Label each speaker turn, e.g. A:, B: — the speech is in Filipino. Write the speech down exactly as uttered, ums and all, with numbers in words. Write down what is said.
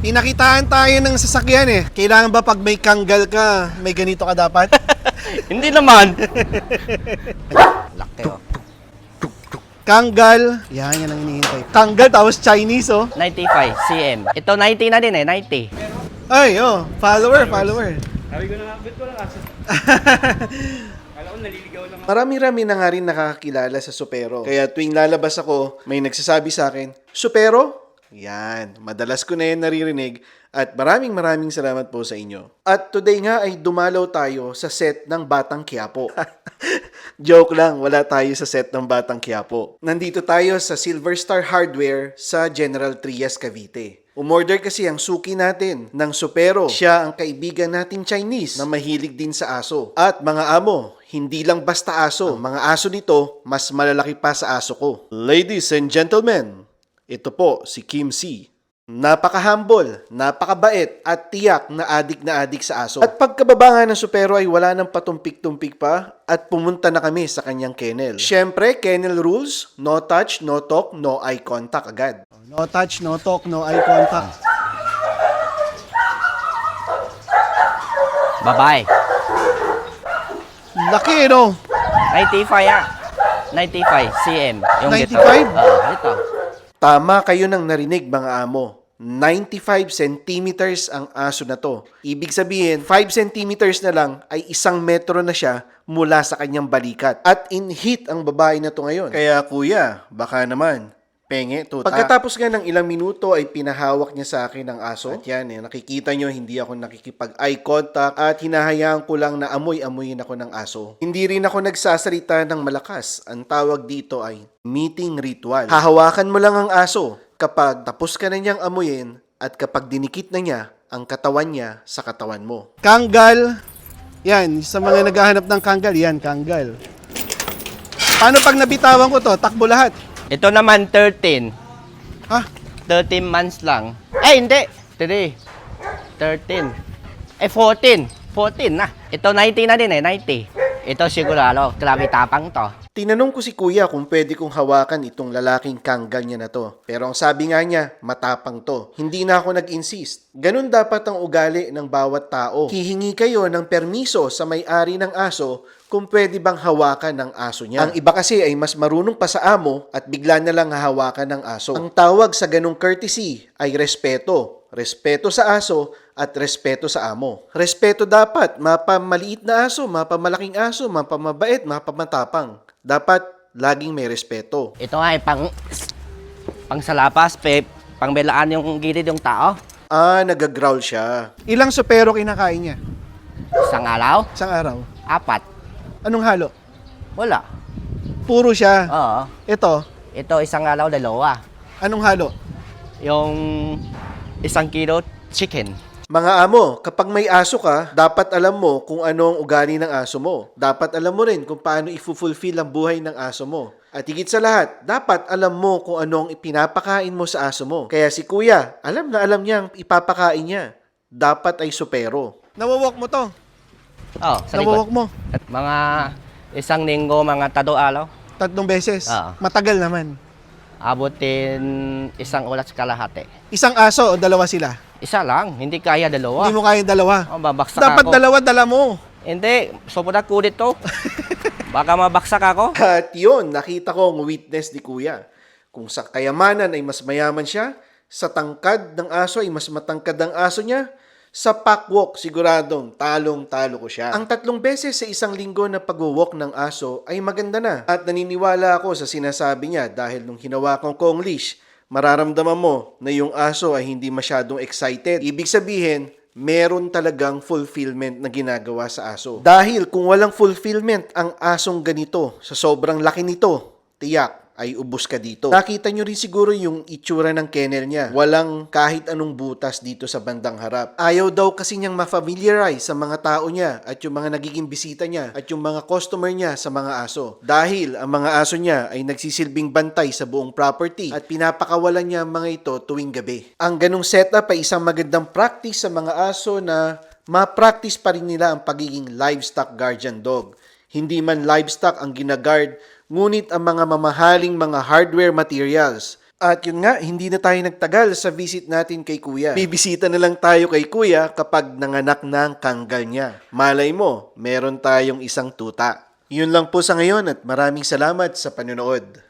A: Pinakitaan tayo ng sasakyan eh. Kailangan ba pag may kanggal ka, may ganito ka dapat?
B: Hindi naman. Laki oh.
A: Kanggal. Yan, yan ang hinihintay. Kanggal tapos Chinese oh.
B: ninety-five cm. Ito ninety na din eh, ninety.
A: Ay, oh. Follower, follower.
C: Sabi ko na nga, ba't ko lang asa? Kala ko naliligaw lang ako.
A: Marami-rami na nga rin nakakakilala sa Supero. Kaya tuwing lalabas ako, may nagsasabi sa akin, Supero? Yan, madalas ko na yan naririnig at maraming maraming salamat po sa inyo. At today nga ay dumalaw tayo sa set ng Batang Quiapo. Joke lang, wala tayo sa set ng Batang Quiapo. Nandito tayo sa Silver Star Hardware sa General Trias, Cavite. Umorder kasi ang suki natin ng Supero. Siya ang kaibigan nating Chinese na mahilig din sa aso. At mga amo, hindi lang basta aso. Ang mga aso nito, mas malalaki pa sa aso ko. Ladies and gentlemen, ito po si Kim C. Napaka-humble, napakabait at tiyak na adik na adik sa aso. At pagkababa nga ng Supero ay wala nang patumpik-tumpik pa at pumunta na kami sa kanyang kennel. Siyempre, kennel rules, no touch, no talk, no eye contact agad. No touch, no talk, no eye contact.
B: Babae.
A: Laki, no?
B: ninety-five ah. ninety-five cm. Yung
A: ninety-five?
B: Gito. Ah, ito.
A: Tama kayo ng narinig mga amo. ninety-five centimeters ang aso na to. Ibig sabihin, five centimeters na lang ay isang metro na siya mula sa kanyang balikat. At in heat ang babae na to ngayon. Kaya kuya, baka naman, penge, tuta. Pagkatapos nga ng ilang minuto ay pinahawak niya sa akin ang aso. At yan eh, nakikita nyo, hindi ako nakikipag-eye contact at hinahayaan ko lang na amoy-amoyin ako ng aso. Hindi rin ako nagsasalita ng malakas. Ang tawag dito ay meeting ritual. Hahawakan mo lang ang aso kapag tapos ka na niyang amuyin at kapag dinikit na niya ang katawan niya sa katawan mo. Kanggal. Yan, sa mga naghahanap ng kanggal, yan, kanggal. Paano pag nabitawan ko to? Takbo lahat.
B: Ito naman thirteen.
A: Ha?
B: thirteen months lang. Eh, hindi. three. thirteen. Eh, fourteen. fourteen na. Ito ninety na din eh, ninety. Ito sigurado, grabe tapang to.
A: Tinanong ko si kuya kung pwede kong hawakan itong lalaking kanggal niya na to. Pero ang sabi nga niya, matapang to. Hindi na ako nag-insist. Ganun dapat ang ugali ng bawat tao. Hihingi kayo ng permiso sa may-ari ng aso kung pwede bang hawakan ng aso niya. Ang iba kasi ay mas marunong pa sa amo at bigla na lang hahawakan ng aso. Ang tawag sa ganung courtesy ay respeto. Respeto sa aso at respeto sa amo. Respeto dapat, mapamaliit na aso, mapamalaking aso, mapamabait, mapamatapang. Dapat laging may respeto.
B: Ito nga ay pang pang salapas, pe, pang belaan yung gilid yung tao.
A: Ah, nagagrowl siya. Ilang supero kinakain niya?
B: Isang araw,
A: Isang araw.
B: apat.
A: Anong halo?
B: Wala.
A: Puro siya.
B: Oo.
A: Ito,
B: Ito isang araw, dalawa.
A: anong halo?
B: Yung isang kilo chicken.
A: Mga amo, kapag may aso ka, dapat alam mo kung ano ang ugali ng aso mo. Dapat alam mo rin kung paano i-fulfill ang buhay ng aso mo. At higit sa lahat, dapat alam mo kung ano ang ipinapakain mo sa aso mo. Kaya si kuya, alam na alam niya ang ipapakain niya. Dapat ay supero. Nawawalk mo to?
B: Oh, sa
A: Nawawalk
B: likod.
A: mo?
B: At mga isang linggo, mga tado araw.
A: Tatlong beses?
B: Oo.
A: Matagal naman.
B: Abutin isang oras kalahati.
A: Isang aso o dalawa sila?
B: Isa lang, hindi kaya dalawa.
A: Hindi mo kayang dalawa.
B: Oh, babaksak
A: Dapat
B: ako.
A: dalawa dala mo.
B: Hindi, sobrang kulit to. Baka mabaksak ako.
A: At yun, nakita ko ang witness ni kuya. Kung sa kayamanan ay mas mayaman siya, sa tangkad ng aso ay mas matangkad ang aso niya, sa packwalk siguradong talong-talo ko siya. Ang tatlong beses sa isang linggo na pag-walk ng aso ay maganda na. At naniniwala ako sa sinasabi niya dahil nung hinawakan ko ang leash, mararamdaman mo na yung aso ay hindi masyadong excited. Ibig sabihin, meron talagang fulfillment na ginagawa sa aso. Dahil kung walang fulfillment ang asong ganito, sa sobrang laki nito, tiyak ay ubos ka dito. Nakita nyo rin siguro yung itsura ng kennel niya. Walang kahit anong butas dito sa bandang harap. Ayaw daw kasi niyang ma-familiarize sa mga tao niya at yung mga nagiging bisita niya at yung mga customer niya sa mga aso. Dahil ang mga aso niya ay nagsisilbing bantay sa buong property at pinapakawalan niya ang mga ito tuwing gabi. Ang ganong setup ay isang magandang practice sa mga aso na ma-practice pa rin nila ang pagiging livestock guardian dog. Hindi man livestock ang ginagard, ngunit ang mga mamahaling mga hardware materials At yun nga, hindi na tayo nagtagal sa visit natin kay Kuya. Bibisita na lang tayo kay Kuya kapag nanganak na ang kanggal niya. Malay mo, meron tayong isang tuta. Yun lang po sa ngayon at maraming salamat sa panonood.